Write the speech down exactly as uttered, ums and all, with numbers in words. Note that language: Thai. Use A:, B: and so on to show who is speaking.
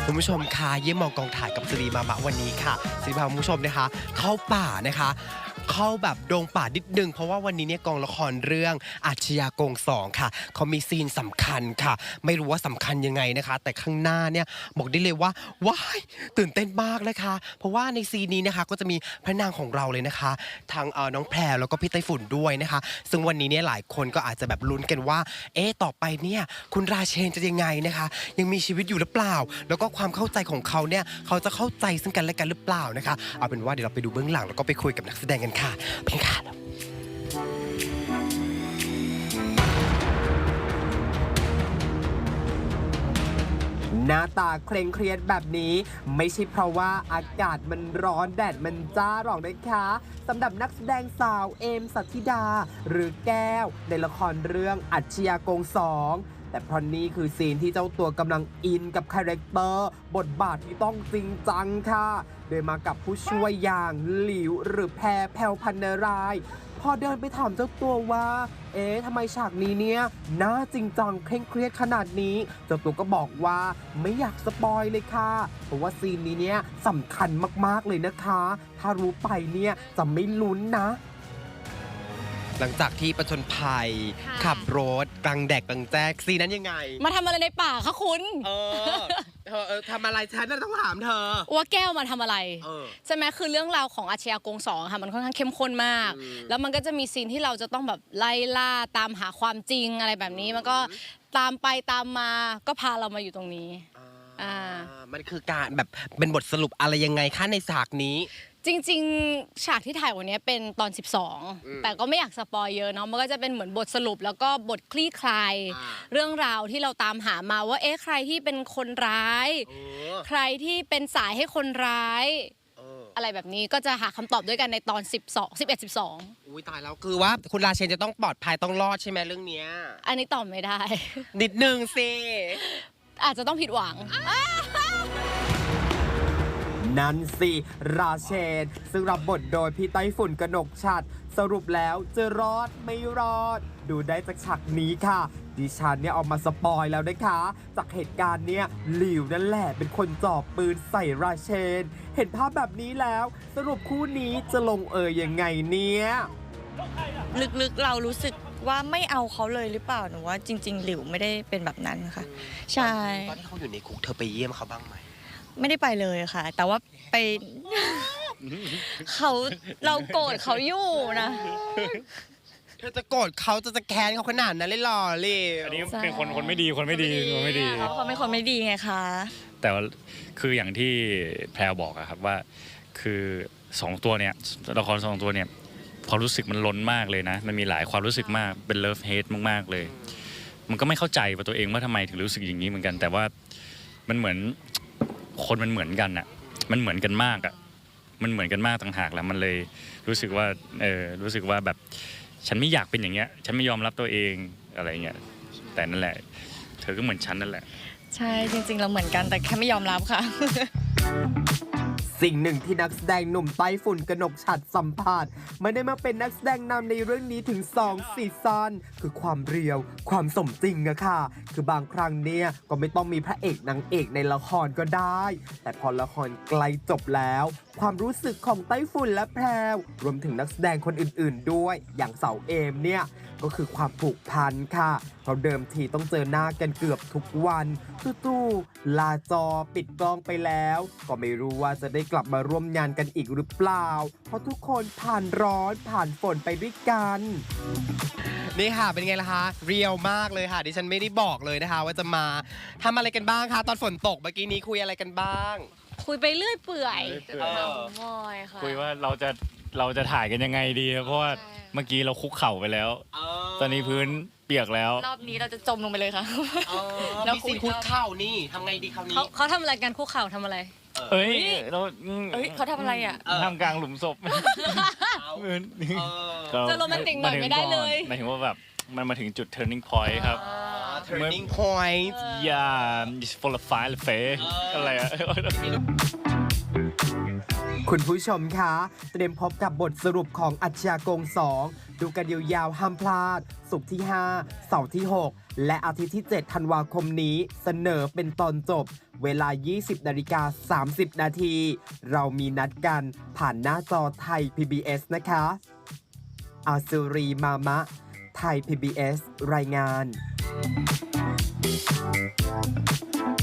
A: คุณผู้ชมค่ะเยี่ยมมองกองถ่ายกับสิริมามะวันนี้ค่ะสิริพาคุณผู้ชมนะคะเข้าป่านะคะเข้าแบบดงป่านิดนึงเพราะว่าวันนี้เนี่ยกองละครเรื่องอาชญากรสองค่ะเขามีซีนสำคัญค่ะไม่รู้ว่าสำคัญยังไงนะคะแต่ข้างหน้าเนี่ยบอกได้เลยว่าว้ายตื่นเต้นมากนะคะเพราะว่าในซีนนี้นะคะก็จะมีพระนางของเราเลยนะคะทางเอ่อน้องแพรแล้วก็พี่ไต้ฝุ่นด้วยนะคะซึ่งวันนี้เนี่ยหลายคนก็อาจจะแบบลุ้นกันว่าเอ๊ะต่อไปเนี่ยคุณราเชนจะยังไงนะคะยังมีชีวิตอยู่หรือเปล่าแล้วก็ความเข้าใจของเขาเนี่ยเขาจะเข้าใจซึ่งกันและกันหรือเปล่านะคะเอาเป็นว่าเดี๋ยวเราไปดูเบื้องหลังแล้วก็ไปคุยกับนักแสดงกันค่ะเพียงค่ะหน้าตาเคร่งเครียดแบบนี้ไม่ใช่เพราะว่าอากาศมันร้อนแดดมันจ้าหรอกนะคะสำหรับนักแสดงสาวเอมสัทธิดาหรือแก้วในละครเรื่องอาชญากรสองแต่เพราะนี่คือซีนที่เจ้าตัวกำลังอินกับคาแรคเตอร์บทบาทที่ต้องจริงจังค่ะโดยมากับผู้ช่วยอย่างหลิวหรือแพรแพรวพันนารายพอเดินไปถามเจ้าตัวว่าเอ๊ะทำไมฉากนี้เนี่ยน่าจริงจังเคร่งเครียดขนาดนี้เจ้าตัวก็บอกว่าไม่อยากสปอยเลยค่ะเพราะว่าซีนนี้เนี่ยสำคัญมากๆเลยนะคะถ้ารู้ไปเนี่ยจะไม่ลุ้นนะหลังจากที่ประชนภัยขับรถกลางแดดกลางแจ้งซีนั้นยังไง
B: มาทำอะไรในป่าคะคุณ
A: เออเธอเออทำอะไรฉันน่ะต้องถามเธอ
B: ว่าแก้วมาทำอะไร
A: อ
B: ใช่ไหมคือเรื่องราวของอาชญากรสองค่ะมันค่อนข้างเข้มข้นมากแล้วมันก็จะมีซีนที่เราจะต้องแบบไล่ล่าตามหาความจริงอะไรแบบนี้มันก็ตามไปตามมาก็พาเรามาอยู่ตรงนี้
A: อ่ามันคือการแบบเป็นบทสรุปอะไรยังไงคะในฉากนี้
B: จริงๆฉากที่ถ่ายวันนี้เป็นตอนสิบสองแต่ก็ไม่อยากสปอยเยอะเนาะมันก็จะเป็นเหมือนบทสรุปแล้วก็บทคลี่คลายเรื่องราวที่เราตามหามาว่าเอ๊ะใครที่เป็นคนร้ายใครที่เป็นสายให้คนร้ายอะไรแบบนี้ก็จะหาคำตอบด้วยกันในตอนสิบสอง สิบเอ็ด สิบสอง
A: อุ้ยตายแล้วคือว่าคุณราเชนจะต้องปลอดภัยต้องรอดใช่ไหมเรื่องเนี้ย
B: อันนี้ตอบไม่ได้
A: นิดนึงสิ
B: อาจจะต้องผิดหวัง
C: นั่นสิราเชนซึ่งรับบทโดยพี่ไต้ฝุ่นกนกฉัตรสรุปแล้วจะรอดไม่รอดดูได้จากฉากนี้ค่ะดิฉันเนี่ยเอามาสปอยแล้วนะคะจากเหตุการณ์เนี้ยหลิวนั่นแหละเป็นคนจ่อปืนใส่ราเชนเห็นภาพแบบนี้แล้วสรุปคู่นี้จะลงเอยยังไงเนี่ย
D: ลึกๆเรารู้สึกว่าไม่เอาเขาเลยหรือเปล่าหนูว่าจริงๆหลิวไม่ได้เป็นแบบนั้นค่ะใช่
A: ตอนที่เขาอยู่ในคุกเธอไปเยี่ยมเขาบ้างไหม
D: ไม่ได้ไปเลยค่ะแต่ว่าไปเขาเราโกรธเขาอยู่นะ
A: เธอจะโกรธเขาจะจะแค้นเขาขนาดนั้นเลยหรอเลย
E: อันนี้เป็นคนคนไม่ดีคนไม่ดีคนไม่ดี
D: เขาเป็นคนไม่ดีไงคะ
E: แต่ว่าคืออย่างที่แพรวบอกอะครับว่าคือสองตัวเนี่ยละครสองตัวเนี่ยความรู้สึกมันล้นมากเลยนะมันมีหลายความรู้สึกมากเป็นเลิฟเฮทมากๆเลยมันก็ไม่เข้าใจว่าตัวเองว่าทำไมถึงรู้สึกอย่างนี้เหมือนกันแต่ว่ามันเหมือนคนมันเหมือนกันอะมันเหมือนกันมากอะมันเหมือนกันมากต่างหากแล้วมันเลยรู้สึกว่าเออรู้สึกว่าแบบฉันไม่อยากเป็นอย่างเงี้ยฉันไม่ยอมรับตัวเองอะไรเงี้ยแต่นั่นแหละเธอก็เหมือนฉันนั่นแหละ
D: ใช่จริงๆเราเหมือนกันแต่แค่ไม่ยอมรับค่ะ
C: สิ่งหนึ่งที่นักแสดงหนุ่มไต้ฝุ่นกนกฉัตรสัมผัสไม่ได้มาเป็นนักแสดงนำในเรื่องนี้ถึงสองซีซั่นคือความเรียวความสมจริงอะค่ะคือบางครั้งเนี่ยก็ไม่ต้องมีพระเอกนางเอกในละครก็ได้แต่พอละครใกล้จบแล้วความรู้สึกของไต้ฝุ่นและแพรวรวมถึงนักแสดงคนอื่นๆด้วยอย่างเสาเอมเนี่ยก็คือความผูกพันค่ะเพราะเดิมทีต้องเจอหน้ากันเกือบทุกวันตู้ๆลาจอปิดกล้องไปแล้วก็ไม่รู้ว่าจะได้กลับมาร่วมงานกันอีกหรือเปล่าเพราะทุกคนผ่านร้อนผ่านฝนไปด้วยกัน
A: นี่ค่ะเป็นไงล่ะคะเรียวมากเลยค่ะดิฉันไม่ได้บอกเลยนะคะว่าจะมาทำอะไรกันบ้างคะตอนฝนตกเมื่อกี้นี้คุยอะไรกันบ้าง
B: คุยไปเรื่อยเปื่อย
E: มอยค่ะคุยว่าเราจะเราจะถ่ายกันยังไงดีเพราะว่าเมื่อกี้เราคุกเข่าไปแล้วตอนนี้พื้นเปียกแล้ว
D: รอบนี้เราจะจมลงไปเลยค่ะ
A: แล้วคุยคุกเข่านี่ทำไงดีคราวนี้
B: เขาทำอะไรกันคุกเข่าทำอะไร
E: เอ้ย
D: เราเอ้ยเขาทำอะไรอ่ะ
E: ทำกลางหลุมศพ
B: จะโรแมนติกหน่อยไม่ได้เลย
E: หมายถึงว่าแบบมันมาถึงจุด turning point ครับ
A: turning point
E: yeah it's full of fire เฟอะไรอะ
C: คุณผู้ชมคะเตรียมพบกับบทสรุปของอาชญากรสองดูกันยาวๆห้ามพลาดศุกร์ที่ห้าเสาร์ที่หกและอาทิตย์ที่ เจ็ด ธันวาคมนี้เสนอเป็นตอนจบเวลา ยี่สิบนาฬิกาสามสิบนาที เรามีนัดกันผ่านหน้าจอไทย พี บี เอส นะคะอาสุรีมามะ ไทย พี บี เอส รายงาน